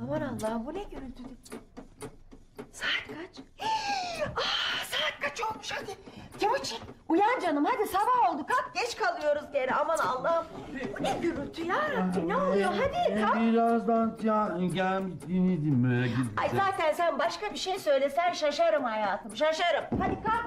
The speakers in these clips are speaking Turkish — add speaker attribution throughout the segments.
Speaker 1: Aman Allah'ım, bu ne gürültü? Saat kaç? Saat kaç olmuş hadi. Timuçin uyan canım, hadi sabah oldu, kalk, geç kalıyoruz geri. Aman Allah'ım, bu ne gürültü ya Rabbi, ne oluyor, hadi kalk.
Speaker 2: Birazdan gelmiştim böyle gidip.
Speaker 1: Ay zaten sen başka bir şey söylesen şaşarım hayatım, şaşarım. Hadi kalk.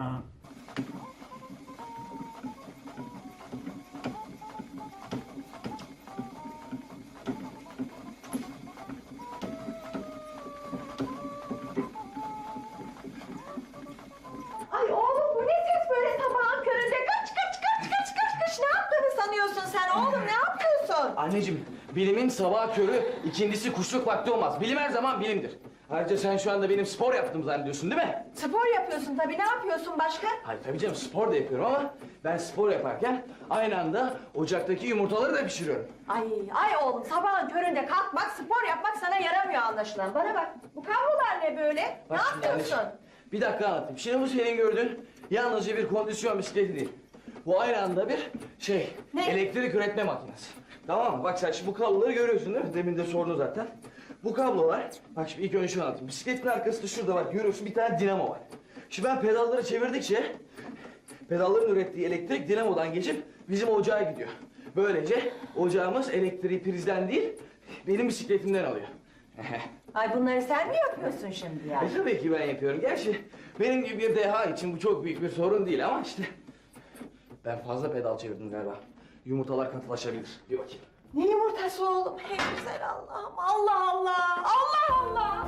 Speaker 1: Ay oğlum, bu ne ses böyle sabahın köründe? Kaç. Ne yaptığını sanıyorsun sen oğlum, ne yapıyorsun?
Speaker 3: Anneciğim, bilimin sabah körü, ikincisi kuşluk vakti olmaz. Bilim her zaman bilimdir. Ayrıca sen şu anda benim spor yaptığımı zannediyorsun değil mi?
Speaker 1: Spor yapıyorsun tabii, ne yapıyorsun başka?
Speaker 3: Hayır tabii canım, spor da yapıyorum ama ben spor yaparken aynı anda ocaktaki yumurtaları da pişiriyorum.
Speaker 1: Ay oğlum, sabahın köründe kalkmak, spor yapmak sana yaramıyor anlaşılan. Bana bak, bu kablolar ne böyle?
Speaker 3: Bak
Speaker 1: ne
Speaker 3: şimdi
Speaker 1: yapıyorsun?
Speaker 3: anneciğim, bir dakika anlatayım. Şimdi bu senin gördüğün yalnızca bir kondisyon bisikleti değil. Bu aynı anda bir
Speaker 1: Ne?
Speaker 3: elektrik üretme makinesi. Tamam mı? Bak sen şimdi bu kabloları görüyorsun değil mi? Demin de sordun zaten. Bu kablolar, bak şimdi ilk önce şunu anlatayım. Bisikletin arkasında şurada bak görüyorsun, bir tane dinamo var. Şimdi ben pedalları çevirdikçe pedalların ürettiği elektrik dinamodan geçip bizim ocağa gidiyor. Böylece ocağımız elektriği prizden değil, benim bisikletimden alıyor.
Speaker 1: Ay bunları sen mi yapıyorsun şimdi yani?
Speaker 3: Tabii ki ben yapıyorum. Gerçi benim gibi bir deha için bu çok büyük bir sorun değil ama işte... Ben fazla pedal çevirdim galiba. Yumurtalar katılaşabilir. Bir bakayım.
Speaker 1: Ne yumurtası oğlum? Hey güzel Allah'ım. Allah Allah. Allah Allah.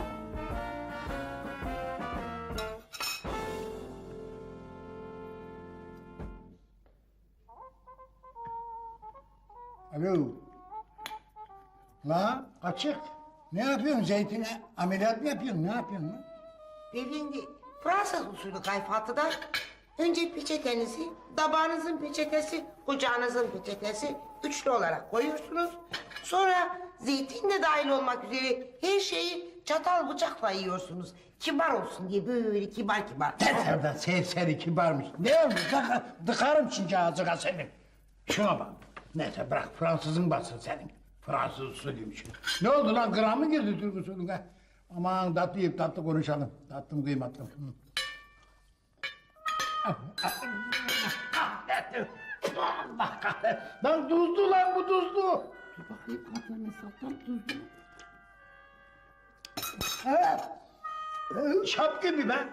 Speaker 4: Alo. La açık. Ne yapıyorsun zeytine? Ameliyat mı yapıyorsun? Ne yapıyorsun lan?
Speaker 5: Beyefendi, Fransız usulü kayfatıda önce peçetenizi, tabağınızın peçetesi, kucağınızın peçetesi üçlü olarak koyuyorsunuz. Sonra zeytin de dahil olmak üzere her şeyi çatal bıçakla yiyorsunuz. Kibar olsun diye böyle kibar kibar.
Speaker 4: Yeter serseri kibarmış. Ne olmuş? Dıkarım şimdi ağzına senin. Şuna bak. Neyse bırak Fransızın bassın senin. Fransız usulüymüş. Ne oldu lan, gram mı girdi Türk usulüne? Aman tatlı yiyip tatlı konuşalım. Tatlım kıymatlım. Allah kahretsin. Lan tuzlu lan bu tuzlu. Dur bakayım kafanı satan tuzlu. Evet. Şap gibi ben.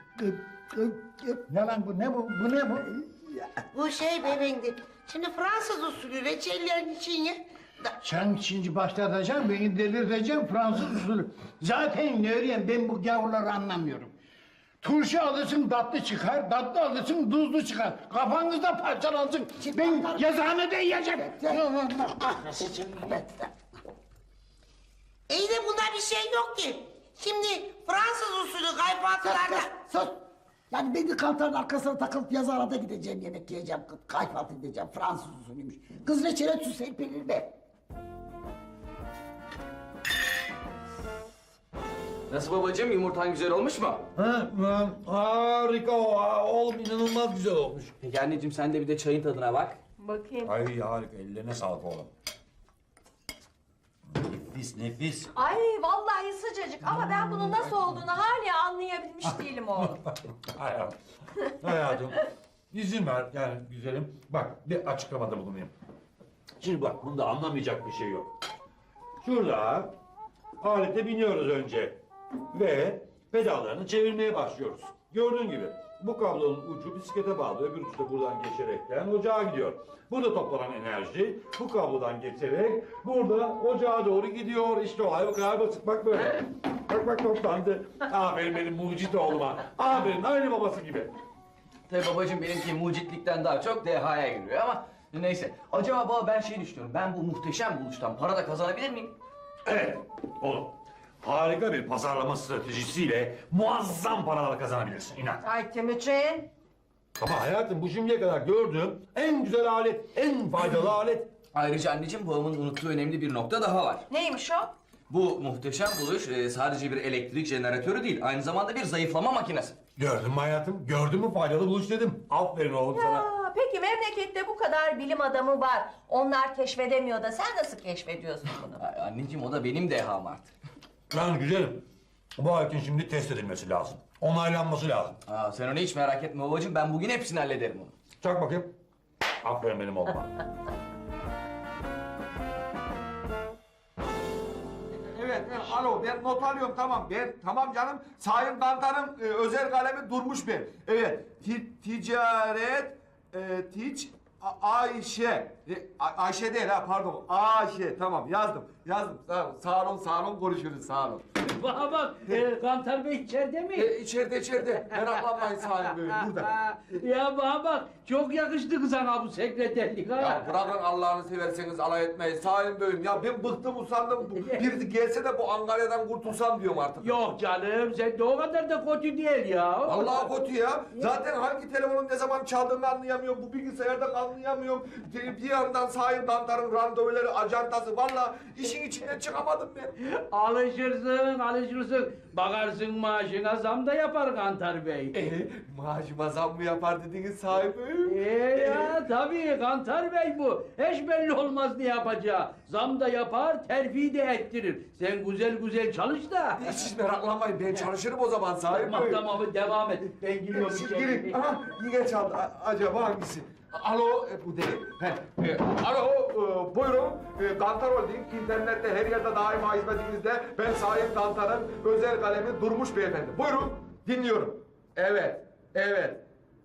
Speaker 4: Ne lan bu, ne bu, bu ne bu?
Speaker 5: Bu şey beyefendi, şimdi Fransız usulü reçellerin içine...
Speaker 4: Sen şimdi başlatacaksın, beni delirteceksin Fransız usulü. Zaten ne öğreyeyim, ben bu gavurları anlamıyorum. Turşu alırsın tatlı çıkar, tatlı alırsın tuzlu çıkar. Kafanızda parçalansın. Ben yazıhanede yiyeceğim. Allah kahretsin.
Speaker 5: İyi de bunda bir şey yok ki. Şimdi Fransız usulü kayfatılarda...
Speaker 6: Sus! Yani ben de kantarın arkasına takılıp yazıhanede gideceğim, yemek yiyeceğim, kayfalt edeceğim, Fransız usulüymüş. Kız reçele su serpilir be.
Speaker 3: Nasıl babacığım, yumurtan güzel olmuş mu?
Speaker 2: Harika oğlum, inanılmaz güzel olmuş.
Speaker 3: Peki anneciğim, sen de bir de çayın tadına bak.
Speaker 1: Bakayım.
Speaker 2: Ay harika, ellerine sağlık oğlum. Nefis nefis.
Speaker 1: Ay vallahi sıcacık ama ben bunun nasıl olduğunu hala anlayabilmiş değilim oğlum.
Speaker 2: Hayatım, izin ver yani güzelim. Bak bir açıklamada bulunayım. Şimdi bak, bunda anlamayacak bir şey yok. Şurada alete biniyoruz önce ve pedallarını çevirmeye başlıyoruz. Gördüğün gibi bu kablonun ucu bisiklete bağlı, öbür ucu da buradan geçerekten ocağa gidiyor. Burada toplanan enerji bu kablodan geçerek burada ocağa doğru gidiyor. İşte olay bu kadar basit, bak böyle. Bak toplandı. Aferin benim mucit oğluma. Aferin, aynı babası gibi.
Speaker 3: Tabii babacığım, benimki mucitlikten daha çok dehaya giriyor ama neyse. Acaba baba, ben şey düşünüyorum, ben bu muhteşem buluştan para da kazanabilir miyim?
Speaker 2: Evet oğlum. Harika bir pazarlama stratejisiyle muazzam paralar kazanabilirsin, inan.
Speaker 1: Ay Timuçin.
Speaker 2: Ama hayatım, bu şimdiye kadar gördüğüm en güzel alet, en faydalı alet.
Speaker 3: Ayrıca anneciğim, babamın unuttuğu önemli bir nokta daha var.
Speaker 1: Neymiş o?
Speaker 3: Bu muhteşem buluş sadece bir elektrik jeneratörü değil, aynı zamanda bir zayıflama makinesi.
Speaker 2: Gördün mü hayatım? Gördün mü, faydalı buluş dedim. Aferin oğlum sana.
Speaker 1: Aa, peki memlekette bu kadar bilim adamı var. Onlar keşfedemiyor da sen nasıl keşfediyorsun bunu?
Speaker 3: Ay, anneciğim, o da benim deham artık.
Speaker 2: Yani güzelim. Bu aletin şimdi test edilmesi lazım. Onaylanması lazım.
Speaker 3: Aa, sen onu hiç merak etme babacığım. Ben bugün hepsini hallederim onu.
Speaker 2: Çak bakayım. Aferin benim oğluma.
Speaker 7: Evet, alo ben not alıyorum tamam. Tamam canım. Sayın Kantar'ın özel kalemi Durmuş Bey. Evet, ticaret, Ayşe. Ayşe değil ha pardon. Ayşe tamam yazdım. Sağ olun konuşuruz sağ olun.
Speaker 8: Bana bak, Kantar Bey içeride mi?
Speaker 7: İçeride. Meraklanmayın Sayın Bey burada.
Speaker 8: Ya bana bak, çok yakıştı sana bu sekreterlik ha.
Speaker 7: Ya bırakın Allah'ını severseniz alay etmeyin Sayın Bey'im. Ya ben bıktım usandım. Biri gelse de bu Angarya'dan kurtulsam diyorum artık.
Speaker 8: Yok canım, sen de o kadar da kötü değil ya.
Speaker 7: Allah kötü ya. Zaten hangi telefonun ne zaman çaldığını anlayamıyorum. Bu bilgisayardan anlayamıyorum. Bir yandan Sayın Kantar'ın randevuları, ajantası. Vallahi işin içinden çıkamadım ben.
Speaker 8: Alışırsın. Bakarsın maaşına zam da yapar Kantar Bey.
Speaker 7: Maaşıma zam mı yapar dediniz sahibim?
Speaker 8: Ya tabii Kantar Bey bu. Hiç belli olmaz ne yapacağı. Zam da yapar, terfi de ettirir. Sen güzel çalış da.
Speaker 7: Siz meraklanmayın ben çalışırım o zaman sahibim.
Speaker 8: Tamam devam et. Ben gidiyorum
Speaker 7: Siz
Speaker 8: içeri.
Speaker 7: girin. Aha yine çaldı. Acaba hangisi? Alo bu değil. Alo buyurun. Kantar Holding internette her yerde daima hizmetinizde. Ben Sayın Kantar'ın özel kalemi Durmuş Beyefendi. Buyurun dinliyorum. Evet.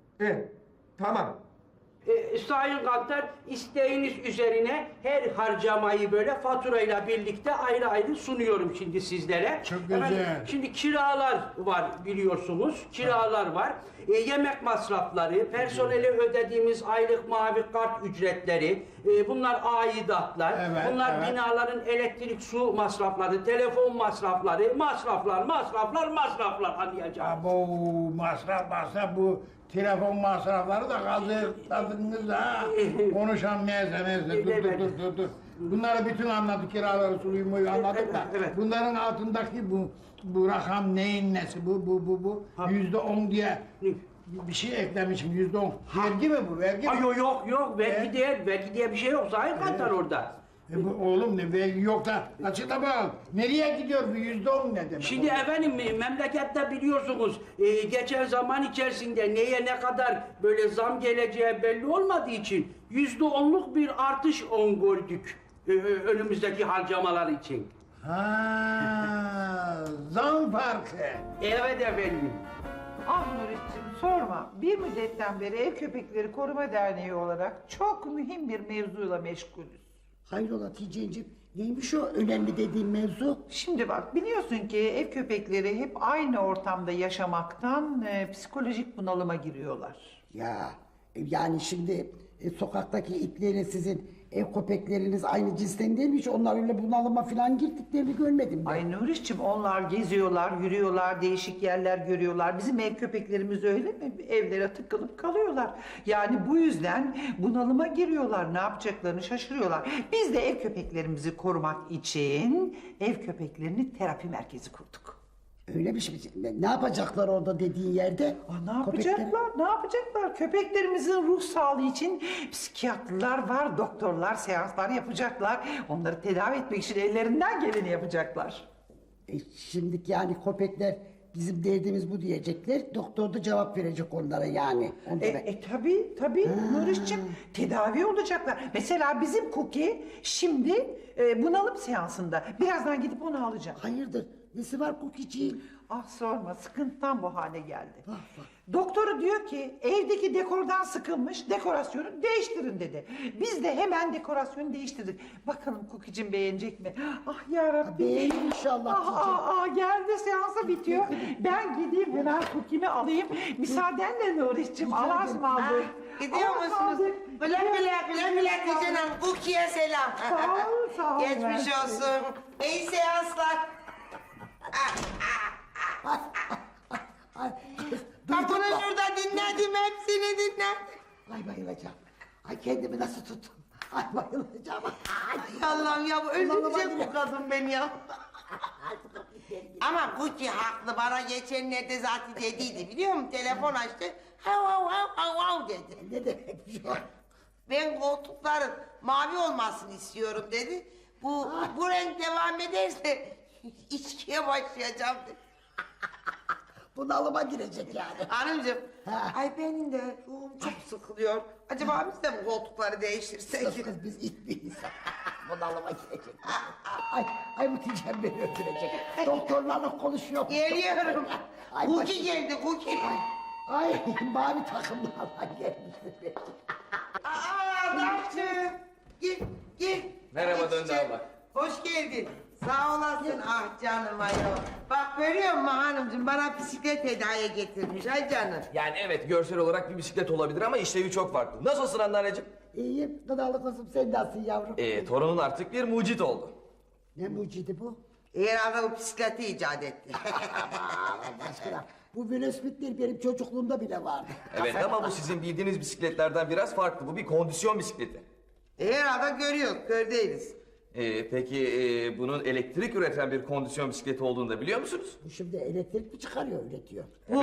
Speaker 7: Tamam.
Speaker 9: Sayın Kantar, isteğiniz üzerine her harcamayı böyle faturayla birlikte ayrı sunuyorum şimdi sizlere.
Speaker 4: Çok güzel.
Speaker 9: Şimdi kiralar var biliyorsunuz, kiralar var. Yemek masrafları, personele ödediğimiz aylık mavi kart ücretleri, bunlar aidatlar,
Speaker 4: Evet,
Speaker 9: bunlar
Speaker 4: evet.
Speaker 9: binaların elektrik, su masrafları, telefon masrafları, masraflar anlayacağım.
Speaker 4: Bu masraf bu telefon masrafları da kazıkladınız ha. Konuşan neyse dur. Bunları bütün anladık, kiraları suyu anladık da.
Speaker 9: Evet.
Speaker 4: Bunların altındaki bu rakam neyin nesi bu %10 diye bir şey eklemişim %10. Vergi mi bu vergi mi?
Speaker 9: Ay yok vergi diye bir şey yok Sayın Kantar orada.
Speaker 4: Oğlum ne vergi yok da açıkla bakalım. Nereye gidiyor bu %10 ne demek?
Speaker 9: Şimdi efendim memlekette biliyorsunuz geçen zaman içerisinde neye ne kadar böyle zam geleceği belli olmadığı için %10'luk bir artış gördük önümüzdeki harcamalar için.
Speaker 4: Zam farkı.
Speaker 9: Evet efendim.
Speaker 10: Ah Nurettin sorma. Bir müddetten beri Ev Köpekleri Koruma Derneği olarak çok mühim bir mevzuyla meşgulüz.
Speaker 6: Hayrola Hatice'ciğim neymiş o önemli dediğin mevzu?
Speaker 10: Şimdi bak biliyorsun ki ev köpekleri hep aynı ortamda yaşamaktan psikolojik bunalıma giriyorlar.
Speaker 6: Ya yani şimdi sokaktaki itlerin sizin ev köpekleriniz aynı cinsten değil mi? Hiç onlar öyle bunalıma falan girdiklerini görmedim ben.
Speaker 10: Ay Nuriş'cim onlar geziyorlar, yürüyorlar, değişik yerler görüyorlar. Bizim ev köpeklerimiz öyle mi? Evlere tıkılıp kalıyorlar. Yani bu yüzden bunalıma giriyorlar. Ne yapacaklarını şaşırıyorlar. Biz de ev köpeklerimizi korumak için ev köpeklerini terapi merkezi kurduk.
Speaker 6: Öyle bir şey. Ne yapacaklar orada dediğin yerde?
Speaker 10: Ne yapacaklar? Ne yapacaklar? Köpeklerimizin ruh sağlığı için psikiyatrlar var, doktorlar seanslar yapacaklar. Onları tedavi etmek için ellerinden geleni yapacaklar.
Speaker 6: Şimdiki yani köpekler bizim derdimiz bu diyecekler. Doktor da cevap verecek onlara yani.
Speaker 10: Tabii Nuriş'cim tedavi olacaklar. Mesela bizim Cookie şimdi bunalım seansında. Birazdan gidip onu alacağım.
Speaker 6: Hayırdır? Nesi var Cookie'ciğim?
Speaker 10: Ah sorma sıkıntıdan bu hale geldi.
Speaker 6: Vah.
Speaker 10: Doktoru diyor ki evdeki dekordan sıkılmış dekorasyonu değiştirin dedi. Biz de hemen dekorasyonu değiştirdik. Bakalım Cookie'cim beğenecek mi? Ah yarabbim.
Speaker 6: Beğenir inşallah
Speaker 10: Geldi seansa bitiyor. Ben gideyim hemen Cookie'mi alayım. Müsaadenle Nuriş'cim Allah'a ısmarladık.
Speaker 5: Gidiyor musunuz? Güle güle Hatice Hanım. Cookie'ye selam.
Speaker 10: Sağ ol.
Speaker 5: Geçmiş olsun. İyi seanslar. Kapının şurada dinledim hepsini dinledim.
Speaker 6: Ay bayılacağım. Ay kendimi nasıl tuttum? Ay bayılacağım.
Speaker 5: Ay Allah'ım ya bu öldürecek bu kadın beni ya. Ama Cookie haklı bana geçenlerde zaten dediydi biliyor musun? Telefon açtı. Hav dedi.
Speaker 6: Ne demekmiş o?
Speaker 5: Ben koltukların mavi olmasını istiyorum dedi. Bu renk devam ederse içkiye başlayacağım.
Speaker 6: Bunalıma girecek yani.
Speaker 5: Hanımcığım,
Speaker 6: Ha.
Speaker 5: ay benim de ruhum çok sıkılıyor. Acaba biz de bu koltukları değiştirsek?
Speaker 6: Kız kız biz itmeyiz. Bunalıma girecek. Ay Hatice'm beni öldürecek. Doktorlarla konuşuyor.
Speaker 5: Geliyorum.
Speaker 6: Ay,
Speaker 5: Cookie geldi, Cookie.
Speaker 6: Ay mavi takımlarla gelmiştir.
Speaker 5: Aa, Darçın. Gel, gel.
Speaker 3: Merhaba
Speaker 5: Hadi
Speaker 3: Döndü
Speaker 5: çiçeğim.
Speaker 3: abla.
Speaker 5: Hoş geldin. Sağ olasın. Ah canım ayol. Bak görüyor musun hanımcığım, bana bisiklet hediye getirmiş. Ay canım.
Speaker 3: Yani evet görsel olarak bir bisiklet olabilir ama işlevi çok farklı. Nasılsın anneanneciğim?
Speaker 6: İyiyim, gıdalı kızım sen nasılsın yavrum?
Speaker 3: Torunun artık bir mucit oldu.
Speaker 6: Ne mucidi bu?
Speaker 5: Herhalde o bisikleti icat etti.
Speaker 6: Allah aşkına. Bu Will Smith'ler benim çocukluğumda bile vardı.
Speaker 3: Evet ama bu sizin bildiğiniz bisikletlerden biraz farklı. Bu bir kondisyon bisikleti.
Speaker 5: Herhalde görüyoruz, kör değiliz.
Speaker 3: Peki bunun elektrik üreten bir kondisyon bisikleti olduğunu da biliyor musunuz?
Speaker 6: Bu şimdi elektrik mi çıkarıyor, üretiyor?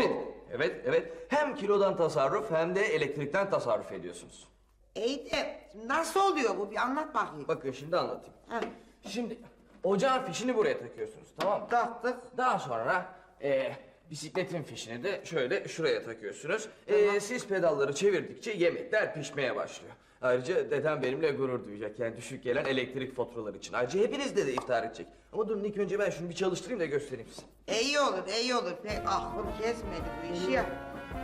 Speaker 3: Evet. Hem kilodan tasarruf hem de elektrikten tasarruf ediyorsunuz.
Speaker 5: İyi de nasıl oluyor bu? Bir anlat bakayım.
Speaker 3: Bakın şimdi anlatayım.
Speaker 5: Ha,
Speaker 3: Şimdi ocağın fişini buraya takıyorsunuz, tamam mı?
Speaker 5: taktık.
Speaker 3: Daha sonra bisikletin fişini de şöyle şuraya takıyorsunuz. Siz pedalları çevirdikçe yemekler pişmeye başlıyor. Ayrıca dedem benimle gurur duyacak yani düşük gelen elektrik faturaları için. Ayrıca hepiniz de iftar edecek. Ama durun ilk önce ben şunu bir çalıştırayım da göstereyim size.
Speaker 5: İyi olur, iyi olur. Pek aklım kesmedi bu işi ya.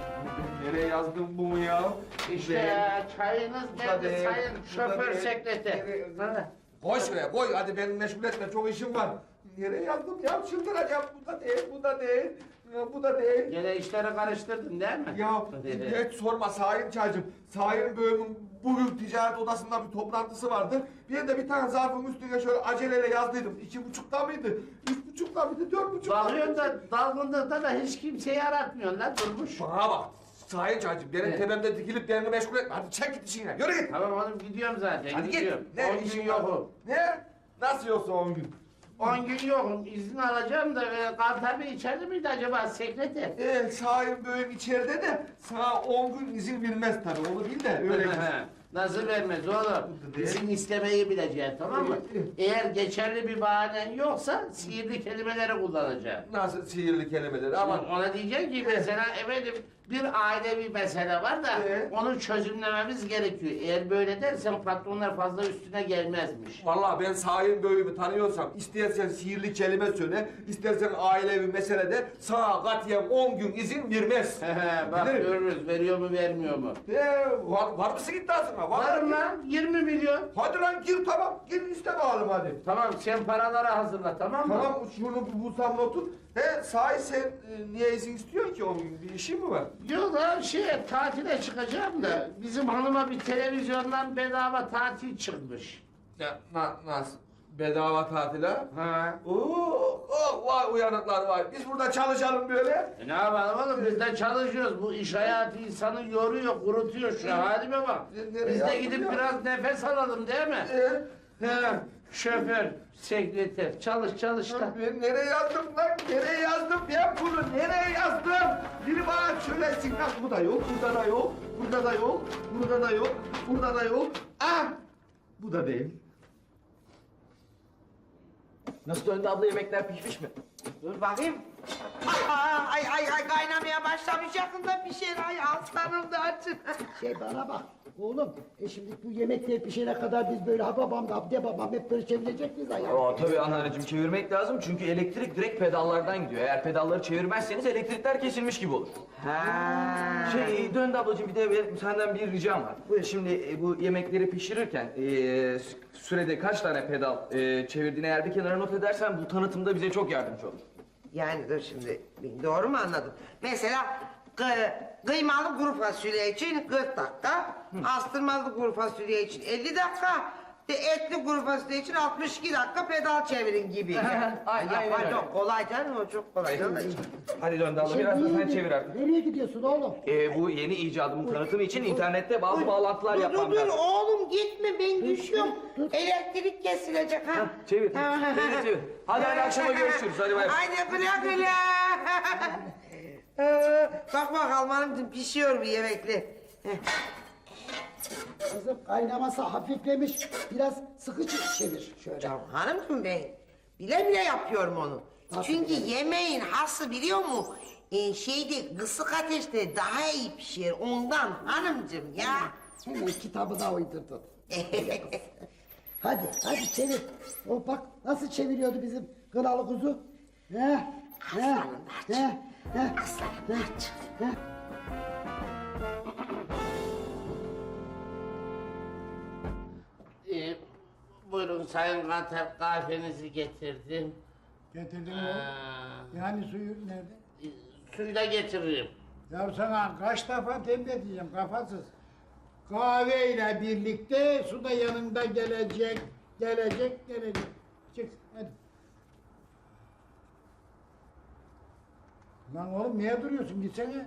Speaker 7: Nereye yazdım bunu ya?
Speaker 8: İşte çayınız geldi
Speaker 7: Hadi,
Speaker 8: sayın şoför
Speaker 7: hadi.
Speaker 8: sekreter.
Speaker 7: Koy şuraya koy hadi beni meşgul etme çok işim var. Nereye yazdım ya çıldıracağım bu da değil bu da değil. Bu da değil.
Speaker 8: Gene işleri karıştırdın değil mi?
Speaker 7: Ya hiç sorma Sayın Çaycım. Sayın Bey'imin bugün ticaret odasında bir toplantısı vardı. Bir tane zarfın üstüne şöyle aceleyle yazdıydım. 2,5'da mıydı? 3,5'da mıydı? 4,5'da
Speaker 8: Bakıyorsun da dalgınlıkta da hiç kimseyi aratmıyorsun lan Durmuş.
Speaker 7: Bana bak. Sayın Çaycım benim tepemde dikilip beni meşgul etme. Hadi çek git işine. Yürü git.
Speaker 8: Tamam oğlum gidiyorum zaten
Speaker 7: Hadi
Speaker 8: gidiyorum.
Speaker 7: git.
Speaker 8: 10 gün
Speaker 7: işin var?
Speaker 8: yokum.
Speaker 7: Ne? Nasıl yoksa 10 gün?
Speaker 8: 10 gün yokum izin alacağım da Kantar Bey içeride miydi acaba sekreter?
Speaker 7: Sayın Bey'im içeride de sana 10 gün izin vermez tabii. Onu bil de öyle git.
Speaker 8: Nasıl vermez oğlum? İzin istemeyi bileceksin tamam mı? Eğer geçerli bir bahanen yoksa sihirli kelimeleri kullanacağım.
Speaker 7: Nasıl sihirli kelimeler ama
Speaker 8: Ona diyeceksin ki mesela efendim bir ailevi mesele var da onu çözümlememiz gerekiyor. Eğer böyle dersen patronlar fazla üstüne gelmezmiş.
Speaker 7: vallahi ben Sayın Bey'imi tanıyorsam istersen sihirli kelime söyle, istersen ailevi meselede sana katiyen 10 gün izin vermez.
Speaker 8: Bak
Speaker 7: Bilirim.
Speaker 8: görürüz veriyor mu vermiyor mu?
Speaker 7: Var mısın iddiasına?
Speaker 8: Varım lan 20 milyon.
Speaker 7: Hadi lan gir tamam, gir iste bakalım hadi.
Speaker 8: Tamam sen paraları hazırla tamam mı?
Speaker 7: Tamam şunu bulsam notu. Sahi sen niye izin istiyorsun ki 10 gün? Bir işin mi var?
Speaker 8: Yok lan tatile çıkacağım da bizim hanıma bir televizyondan bedava tatil çıkmış.
Speaker 7: Ya, nasıl? Bedava tatil ha?
Speaker 8: Ha.
Speaker 7: Vay uyanıklar vay. Biz burada çalışalım böyle.
Speaker 8: Ne yapalım oğlum biz de çalışıyoruz. Bu iş hayatı insanı yoruyor, kurutuyor şu halime bak.
Speaker 7: Nereye
Speaker 8: Biz de
Speaker 7: yaptın
Speaker 8: gidip
Speaker 7: ya?
Speaker 8: biraz nefes alalım değil mi? He, şoför, sekreter, çalış da.
Speaker 7: Ben nereye yazdım lan? Nereye yazdım? Ben bunu nereye yazdım? Biri bana söylesin lan. Bu da yok, burada da yok, burada da yok, burada da yok, burada da yok. Ah! Bu da değil.
Speaker 3: Nasıl Döndü abla yemekler pişmiş mi?
Speaker 5: Dur bakayım. Ay kaynamaya başlamış yakında bir şey. Ay aslanım da açın.
Speaker 6: Bana bak oğlum, şimdi bu yemekler pişene kadar biz böyle ha babam da abde babam hep böyle çevirecek miyiz ayağı?
Speaker 3: Tabii anneanneciğim çevirmek lazım çünkü elektrik direkt pedallardan gidiyor. Eğer pedalları çevirmezseniz elektrikler kesilmiş gibi olur. Döndü ablacığım bir de senden bir ricam var. Şimdi bu yemekleri pişirirken sürede kaç tane pedal çevirdiğini eğer bir kenara not edersen bu tanıtımda bize çok yardımcı olur.
Speaker 5: Yani dur şimdi doğru mu anladım? Mesela kıymalı kuru fasulye için 40 dakika, astırmalı kuru fasulye için 50 dakika, etli kuru fasulye için 62 dakika pedal çevirin gibi.
Speaker 3: Aynen öyle.
Speaker 5: Çok kolay canım o çok kolay.
Speaker 3: Hadi Döndü abla biraz da sen çevir artık.
Speaker 6: Nereye gidiyorsun oğlum?
Speaker 3: Bu yeni icadımın tanıtımı için internette bazı bağlantılar yapmam
Speaker 5: Dur
Speaker 3: lazım.
Speaker 5: oğlum gitme ben düşüyorum. Elektrik kesilecek ha.
Speaker 3: Çevir. Çevir. Hadi akşama görüşürüz. Hadi bay bay.
Speaker 5: Haydi güle güle. Bak bakalım hanımcığım pişiyor bir yemekli.
Speaker 6: Kızım kaynaması hafiflemiş. Biraz sıkı çevir şöyle.
Speaker 5: Hanımcığım Bile bile yapıyorum onu. Çünkü yemeğin hası biliyor mu? Şeyde kısık ateşte daha iyi pişiyor ondan hanımcığım ya.
Speaker 6: Hemen kitabı da uydurdun. Hadi çevir. O bak nasıl çeviriyordu bizim kralı kuzu.
Speaker 5: Aslanım Narcı. Aslanım Narcı.
Speaker 11: Buyurun Sayın Kantar, kahvenizi getirdim.
Speaker 4: Getirdin mi? Yani suyu nerede?
Speaker 11: Suyu da getiririm.
Speaker 4: Ya sana kaç defa tembih edeceğim kafasız. Kahveyle birlikte su da yanında gelecek. Çık hadi. Lan oğlum niye duruyorsun gitsene.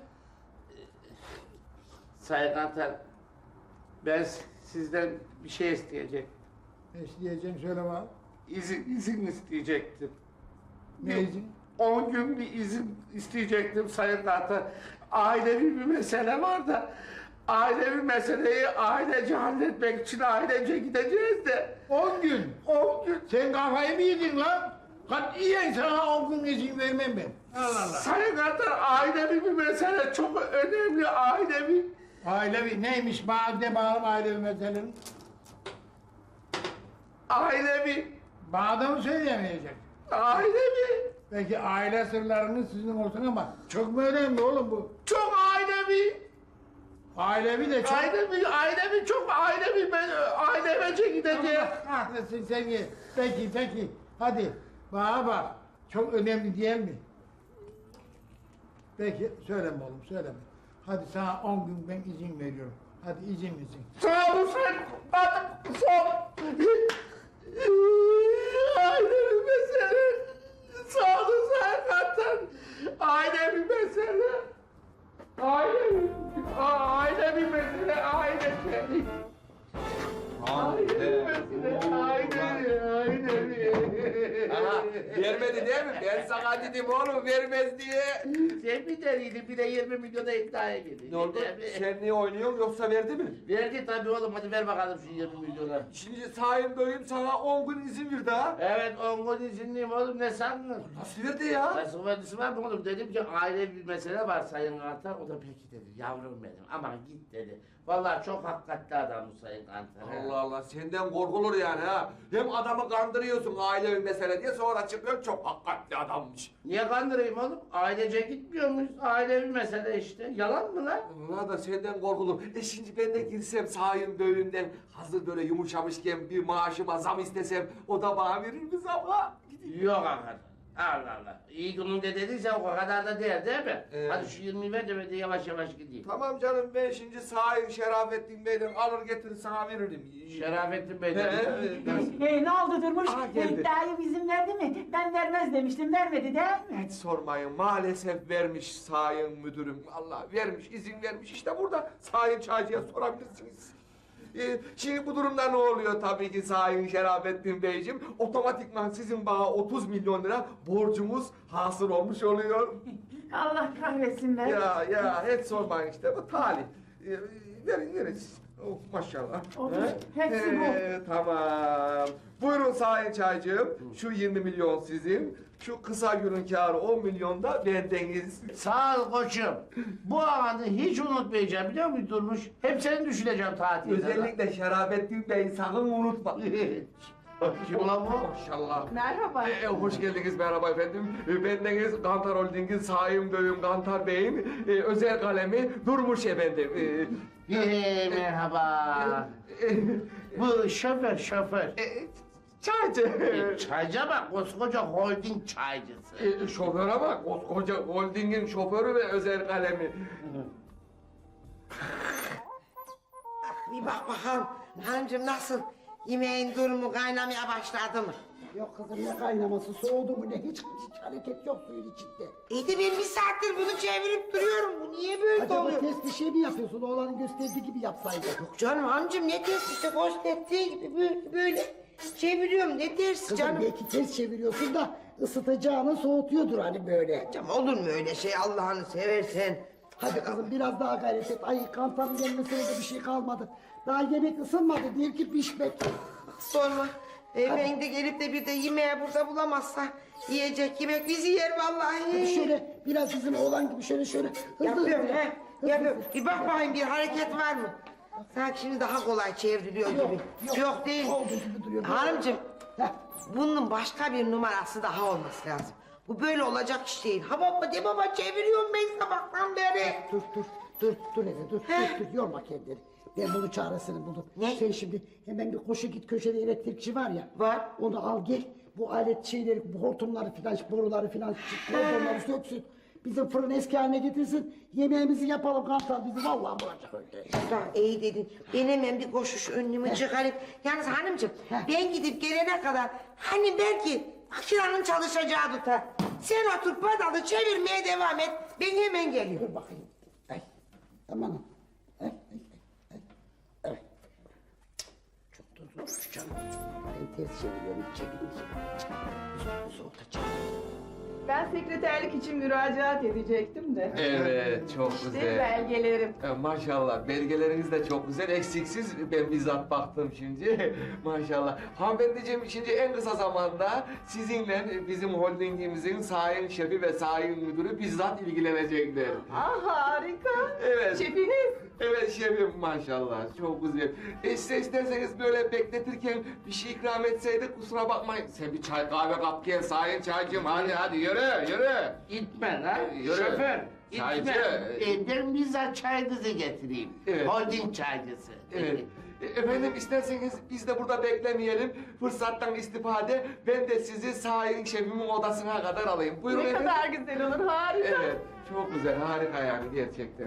Speaker 11: Sayın Kantar, ben sizden bir şey isteyecek.
Speaker 4: Ne isteyeceğim söyle bana.
Speaker 11: İzin isteyecektim.
Speaker 4: Ne izin?
Speaker 11: 10 gün bir izin isteyecektim Sayın Kantar. Ailevi bir mesele var da ailevi meseleyi ailece halletmek için ailece gideceğiz de
Speaker 4: 10 gün.
Speaker 11: 10 gün.
Speaker 4: Sen kafayı mı yedin lan? Katiyen sana 10 gün izin vermem ben. Allah Allah.
Speaker 11: Sayın Kantar, ailevi bir mesele çok önemli ailevi.
Speaker 4: Ailevi neymiş? Bana bağlı ailevi meselenin.
Speaker 11: Ailevi.
Speaker 4: Bana da mı söyleyemeyecek?
Speaker 11: Ailevi.
Speaker 4: Peki aile sırlarınız sizin olsun ama çok mu önemli oğlum bu?
Speaker 11: Çok ailevi.
Speaker 4: Ailevi de çok...
Speaker 11: Ailevi çok ailevi. Ben ailemece gideceğim.
Speaker 4: Kahretsin seni. Peki. Hadi bana bak. Çok önemli değil mi? Peki söyleme oğlum söyleme. Hadi sana 10 gün ben izin veriyorum. Hadi izin.
Speaker 11: Sağ olun Sayın Kantar. Sağ olun. Ailevi mesele. Sağ olun Sayın Kantar. Ailevi mesele. Ailevi mesele. Ailevi.
Speaker 7: Vermedi değil mi? Ben sana dedim oğlum vermez diye.
Speaker 11: Sen bir deliydi, bir de 20 milyona iddiaya girdi.
Speaker 7: Ne oldu? Sen niye oynuyorsun yoksa verdi mi?
Speaker 11: Verdi tabii oğlum, hadi ver bakalım şu 20 milyona.
Speaker 7: Şimdi Sayın Bey'im sana 10 gün izin verdi ha.
Speaker 11: Evet, 10 gün izinliyim oğlum, ne sandın?
Speaker 7: Nasıl verdi ya?
Speaker 11: Nasıl verdisi var mı oğlum? Dedim ki aile bir mesele var Sayın Kantar, o da peki dedi, yavrum benim, aman git dedi. Vallahi çok hakikatli adam bu Sayın Kantar.
Speaker 7: Allah Allah senden korkulur yani ha. Hem adamı kandırıyorsun ailevi mesele diye sonra çıkıyor çok hakikatli adammış.
Speaker 11: Niye kandırayım oğlum? Ailece gitmiyor muyuz? Ailevi mesele işte. Yalan mı lan?
Speaker 7: Allah da senden korkulur. Şimdi ben de girsem Sayın Bey'imden hazır böyle yumuşamışken bir maaşıma zam istesem o da bana verir mi zam ha?
Speaker 11: Yok hakikaten. Allah Allah. İyi gününde dediyse o kadar da değil mi?
Speaker 7: Evet.
Speaker 11: Hadi şu 20'yi ver de ben de yavaş yavaş gideyim.
Speaker 7: Tamam canım ben şimdi Sayın Şerafettin Bey'den alır getirir sana veririm.
Speaker 11: Şerafettin Bey'den.
Speaker 12: Ne oldu Durmuş?
Speaker 7: Aa, geldi.
Speaker 12: Daim izin verdi mi? Ben vermez demiştim, vermedi değil mi?
Speaker 7: Hiç sormayın maalesef vermiş Sayın Müdürüm. Allah vermiş izin vermiş işte burada Sayın Çaycı'ya sorabilirsiniz. Şimdi bu durumda ne oluyor tabii ki Sayın Şerafettin Beyciğim? Otomatikman sizin bana 30 milyon lira borcumuz hasıl olmuş oluyor.
Speaker 12: Allah kahretsin be.
Speaker 7: Ya hiç sormayın işte bu talih. Verin siz. Oh, maşallah.
Speaker 12: Olur,
Speaker 7: He?
Speaker 12: hepsi bu.
Speaker 7: Tamam. Buyurun Sayın Çaycığım. Şu 20 milyon sizin. Şu kısa günün kârı 10 milyon da bendeniz.
Speaker 11: Sağ ol koçum. Bu anı hiç unutmayacağım biliyor musun Durmuş? Hep seni düşüneceğim tatilde.
Speaker 7: Özellikle Şerafettin Bey sakın unutma.
Speaker 11: Kim ulan bu?
Speaker 7: Maşallah.
Speaker 12: Merhaba.
Speaker 7: Hoş geldiniz merhaba efendim. Bendeniz Kantar Holding'in Sayın Bey'im Kantar Bey'in özel kalemi Durmuş efendim.
Speaker 11: Merhaba. Bu şoför.
Speaker 7: Çaycı.
Speaker 11: Çaycı bak, koskoca holding çaycısı.
Speaker 7: Şoföre bak, koskoca holdingin şoförü ve özel kalemi.
Speaker 5: Bir bak bakalım hanımcığım nasıl? Yemeğin durumu kaynamaya başladı mı?
Speaker 6: Yok kızım ne kaynaması soğudu mu ne hiç hareket yok suyun içinde.
Speaker 5: İyi de ben bir saattir bunu çevirip duruyorum. Bu niye böyle
Speaker 6: Acaba
Speaker 5: oluyor?
Speaker 6: test bir şey mi yapıyorsun oğlanın gösterdiği gibi yapsaydın.
Speaker 5: Yok canım hanımcığım ne ters işte gösterdiği gibi böyle çeviriyorum ne ters
Speaker 6: Kızım
Speaker 5: canım.
Speaker 6: belki ters çeviriyorsun da ısıtacağını soğutuyordur hani böyle.
Speaker 5: Canım olur mu öyle şey Allah'ını seversen?
Speaker 6: Hadi kızım biraz daha gayret et. Ay kantarın gelmesine de bir şey kalmadı. Daha yemek ısınmadı değil ki pişmek.
Speaker 5: Sorma. Beyefendi gelip de bir de yemeği burada bulamazsa yiyecek yemek bizi yer vallahi.
Speaker 6: Hadi şöyle biraz bizim oğlan gibi şöyle hızlı
Speaker 5: Yapıyorum
Speaker 6: hızlı.
Speaker 5: he. Yapıyorum. Bir bak bakayım bir hareket var mı? Sanki şimdi daha kolay çevriliyor gibi. Yok değil.
Speaker 6: Olduğu gibi duruyor.
Speaker 5: Hanımcığım
Speaker 6: Heh.
Speaker 5: bunun başka bir numarası daha olması lazım. Bu böyle olacak iş değil. Ha baba de baba çeviriyorum ben sabahtan beri.
Speaker 6: Dur Ede dur yorma kendini. Ben bunun çaresini buldum.
Speaker 5: Ne?
Speaker 6: Sen şimdi hemen bir koşu git köşede elektrikçi var ya.
Speaker 5: Var.
Speaker 6: Onu al gel. Bu alet şeyleri, bu hortumları filan, boruları filan, hortumları söksün. Bizim fırın eski haline getirsin. Yemeğimizi yapalım Kantar bizi vallahi bulacak öyle.
Speaker 5: Tamam iyi dedin. Ben hemen bir koşuş önlüğümü çıkarayım. Yalnız hanımcığım ben gidip gelene kadar hani belki makinenin çalışacağı tutar. Sen otur pedalı çevirmeye devam et. Ben hemen geliyorum.
Speaker 6: Dur bakayım. Ay. Aman. Ay. Evet. Çok da zor canım. Ben ters çeviriyorum, çevireyim. Soğutacağım.
Speaker 13: Ben sekreterlik için müracaat edecektim de.
Speaker 7: Evet, çok
Speaker 13: İşte
Speaker 7: güzel.
Speaker 13: belgelerim.
Speaker 7: Maşallah, belgeleriniz de çok güzel, eksiksiz. Ben bizzat baktım şimdi. Maşallah. Hanımefendiciğim, şimdi en kısa zamanda sizinle bizim holdingimizin sayın şefi ve sayın müdürü bizzat ilgilenecekler.
Speaker 13: Ah harika.
Speaker 7: Evet.
Speaker 13: Şefiniz.
Speaker 7: Evet şefim maşallah, çok güzel. Size isterseniz böyle bekletirken bir şey ikram etseydik kusura bakmayın. Sen bir çay kahve kap gel sayın çaycığım, hadi yürü.
Speaker 11: Gitme lan.
Speaker 7: Yürü.
Speaker 11: Şoför.
Speaker 7: Çaycı.
Speaker 11: Ben bizzat çayınızı getireyim.
Speaker 7: Evet.
Speaker 11: Holding çaycısı.
Speaker 7: Evet. Efendim isterseniz biz de burada beklemeyelim. Fırsattan istifade ben de sizi sayın şefimin odasına kadar alayım. Buyurun
Speaker 13: Ne
Speaker 7: efendim.
Speaker 13: kadar güzel olur harika.
Speaker 7: Evet, çok güzel, harika yani gerçekten.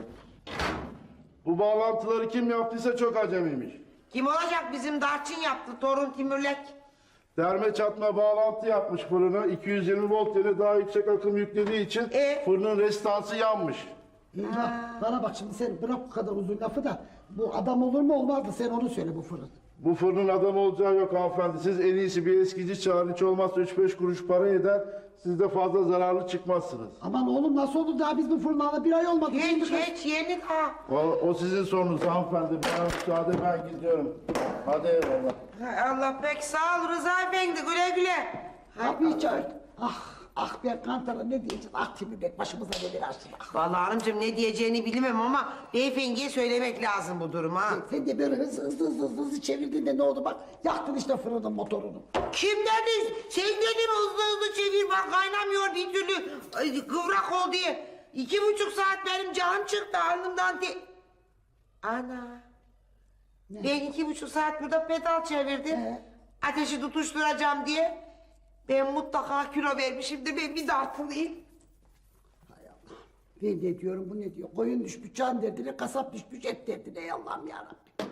Speaker 14: Bu bağlantıları kim yaptıysa çok acemiymiş.
Speaker 5: Kim olacak bizim Darçın yaptı torun Timürlek.
Speaker 14: Derme çatma bağlantı yapmış fırına. 220 volt yerine daha yüksek akım yüklediği için fırının restansı yanmış.
Speaker 6: Bana bak şimdi sen bırak bu kadar uzun lafı da bu adam olur mu olmaz mı sen onu söyle bu fırın.
Speaker 14: Bu fırının adam olacağı yok hanımefendi. Siz en iyisi bir eskici çağırın. Hiç olmazsa 3-5 kuruş para eder. Siz de fazla zararlı çıkmazsınız.
Speaker 6: Aman oğlum nasıl olur daha biz bu fırını alıp bir ay olmadı.
Speaker 5: Hiç yeni daha.
Speaker 14: O sizin sorunuz hanımefendi. Bana müsaade ben gidiyorum. Hadi eyvallah.
Speaker 5: Hay Allah pek sağ ol Rıza Efendi güle güle.
Speaker 6: Kapıyı çağır. Ah ben Kantar'a ne diyeceğim? Ah Timurlek başımıza neler açtın. Ah.
Speaker 5: Vallahi hanımcığım ne diyeceğini bilmem ama beyefendiye söylemek lazım bu durumu ha.
Speaker 6: Sen de böyle hızlı çevirdiğinde ne oldu bak yaktın işte fırının motorunu.
Speaker 5: Kim dedi? Sen dedin hızlı çevir bak kaynamıyor bir türlü kıvrak ol diye. 2,5 saat benim canım çıktı alnımdan Ana. Ben 2,5 saat burada pedal çevirdim. Ateşi tutuşturacağım diye. Ben mutlaka kilo vermişim de ben bir dartılıyım.
Speaker 6: Ben de diyorum bu ne diyor? Koyun düşmüş can derdine, kasap düşmüş et derdine ey Allah'ım yarabbim.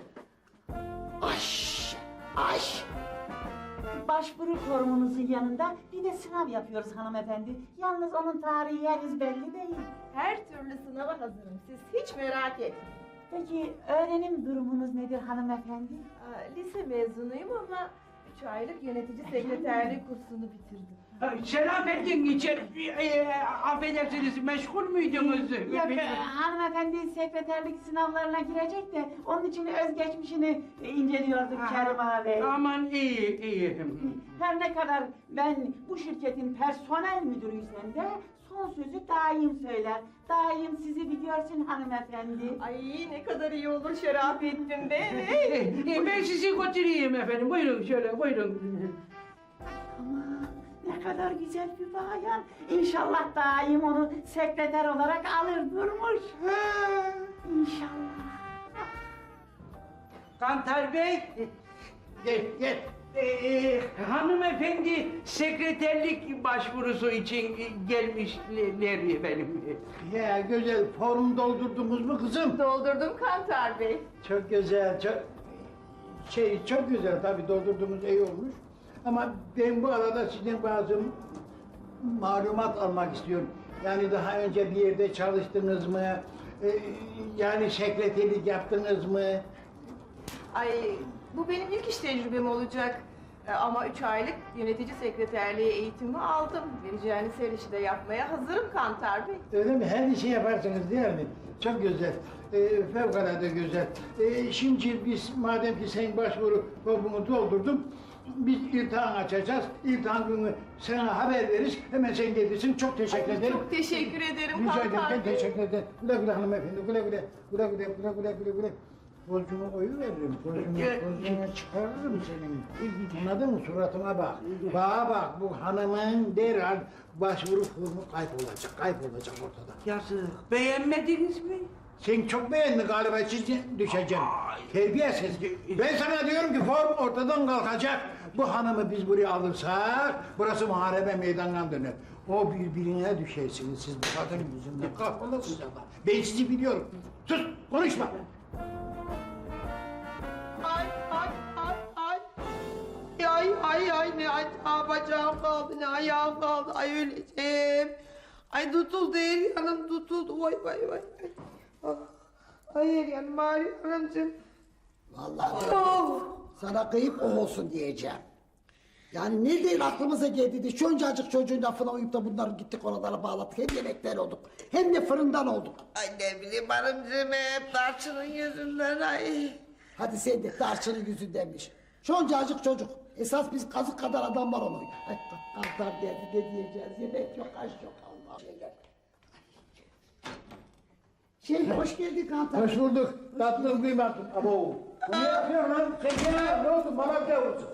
Speaker 6: Ay.
Speaker 12: Başvuru formunuzun yanında bir de sınav yapıyoruz hanımefendi. Yalnız onun tarihi henüz belli değil.
Speaker 13: Her türlü sınava hazırım. Siz hiç merak etmeyin.
Speaker 12: Peki öğrenim durumunuz nedir hanımefendi?
Speaker 13: Lise mezunuyum ama 3 aylık yönetici sekreterliği kursunu bitirdim.
Speaker 9: Şerafettin için affedersiniz meşgul muydunuz?
Speaker 12: Hanımefendi sekreterlik sınavlarına girecek de onun için özgeçmişini inceliyorduk Kerim abi.
Speaker 9: Aman iyi.
Speaker 12: Her ne kadar ben bu şirketin personel müdürüysem de son sözü daim söyler. Daim sizi bir görsün hanımefendi.
Speaker 13: Ay ne kadar iyi olur Şerafettin Bey.
Speaker 9: Ben sizi götüreyim efendim. Buyurun şöyle buyurun.
Speaker 12: Aman ne kadar güzel bir bayan. İnşallah daim onu sekreter olarak alır durmuş. İnşallah.
Speaker 9: Kantar Bey.
Speaker 11: Gel.
Speaker 9: Hanımefendi sekreterlik başvurusu için gelmişler benim.
Speaker 4: Ya güzel form doldurdunuz mu kızım?
Speaker 13: Doldurdum Kantar Bey.
Speaker 4: Çok güzel, çok güzel tabii doldurduğumuz iyi olmuş. Ama ben bu arada sizden bazı malumat almak istiyorum. Yani daha önce bir yerde çalıştınız mı? Yani sekreterlik yaptınız mı?
Speaker 13: Ay bu benim ilk iş tecrübem olacak. Ama 3 aylık yönetici sekreterliği eğitimi aldım. Vereceğiniz her işi de yapmaya hazırım Kantar Bey.
Speaker 4: Öyle mi? Her işi yaparsınız değil mi? Çok güzel. Fevkalade güzel. Şimdi biz madem ki sen başvuru formunu doldurdun, biz iltihan açacağız. İltihan günü sana haber veririz. Hemen sen gelirsin. Çok teşekkür ederim.
Speaker 13: Çok teşekkür ederim
Speaker 4: Rica ederim.
Speaker 13: Kantar
Speaker 4: Ben
Speaker 13: Bey.
Speaker 4: teşekkür ederim. Güle güle hanımefendi. Güle güle. Güle güle. Güle güle. Güle güle. Borcumu koyuveririm. Borcunu çıkarırım senin. Anladın mı? Suratıma bak. Bana bak. Bu hanımın derhal başvuru formu kaybolacak ortada.
Speaker 9: Yazık. Beğenmediniz mi?
Speaker 4: Sen çok beğendin galiba, siz düşeceksin. Terbiyesiz. Ben sana diyorum ki form ortadan kalkacak. Bu hanımı biz buraya alırsak, burası muharebe meydanına döner. O birbirine düşersiniz siz bu kadının yüzünden. Kahrolasınız ama. Ben sizi biliyorum. Sus, konuşma.
Speaker 5: Ay ay ay ay. Ay ne bacağım kaldı ne ayağım kaldı. Ay öleceğim. Ay tutuldu her yanım tutuldu. Vay. Ah, ay her yanım ağrıyor hanımcığım.
Speaker 6: Vallahi
Speaker 5: Oh.
Speaker 6: sana kıyıp o olsun diyeceğim. Yani nereden aklımıza geldi de şuncacık çocuğun lafına uyup da bunları gittik oralara bağladık. Hem yemekten olduk hem de fırından olduk.
Speaker 5: Ay ne bileyim hanımcığım hep tarçının yüzünden ay.
Speaker 6: Hadi sen de tarçının yüzündenmiş. Şuncacık çocuk. Esas biz kazık kadar adam var onun. Ay kantar derdi ne diyeceğiz. Yemek yok, aş yok Allah. Hoş geldin kantar.
Speaker 4: Hoş bulduk. Tatlım kıymatlım. Abo. Bu ne yapıyorsun lan? Sen ne oldu? Bana bir yavrusu.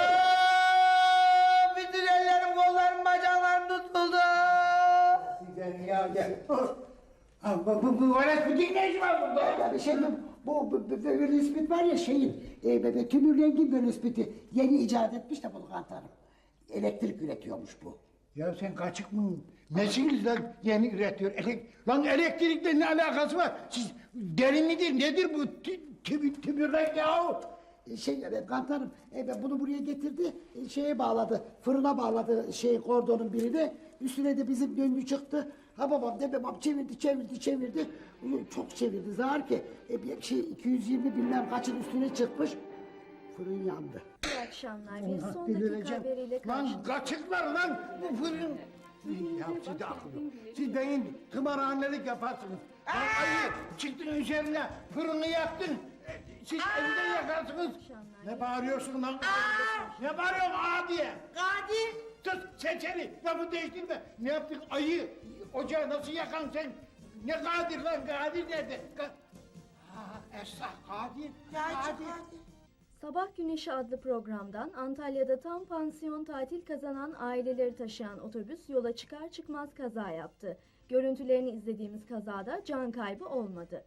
Speaker 5: Bütün ellerim, kollarım, bacaklarım tutuldu.
Speaker 4: Sen ya gel. Bu valet bütün ne işi var burada?
Speaker 6: Yani bu Bölüspit var ya tümür rengi Bölüspit'i yeni icat etmiş de bunu kantarım. Elektrik üretiyormuş bu.
Speaker 4: Ya sen kaçık mı? Nesiniz lan yeni üretiyor? Lan elektrikle ne alakası var? Siz deli midir? Nedir bu tümürlek ya?
Speaker 6: Kantarım bunu buraya getirdi, fırına bağladı kordonun birini. Üstüne de bizim döngü çıktı. Ha babam de babam çevirdi. Çok çevirdi zar ki 220 bilmem kaçın üstüne çıkmış. Fırın yandı.
Speaker 15: İyi akşamlar. Bir son dakika haberiyle
Speaker 4: Lan
Speaker 15: karşınızdayım.
Speaker 4: kaçıklar lan bu fırın. Ya siz de akıllı. Siz benim tımarhanelik yaparsınız. Lan ayı çıktın üzerine fırını yaktın. Siz evde yakarsınız. Ne bağırıyorsun lan? Ne bağırıyorsun diye?
Speaker 5: Kadir.
Speaker 4: Sus seçeri lafı değiştirme. Ne yaptık ayı? Ocağı nasıl yakan sen? Ne Kadir lan? Kadir nerede? Esra Kadir.
Speaker 15: Sabah Güneşi adlı programdan Antalya'da tam pansiyon tatil kazanan aileleri taşıyan otobüs yola çıkar çıkmaz kaza yaptı. Görüntülerini izlediğimiz kazada can kaybı olmadı.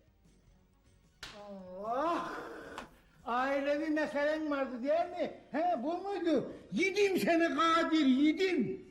Speaker 4: Allah! Ailevi meselen vardı değil mi? He bu muydu? Yedim seni Kadir, yedim.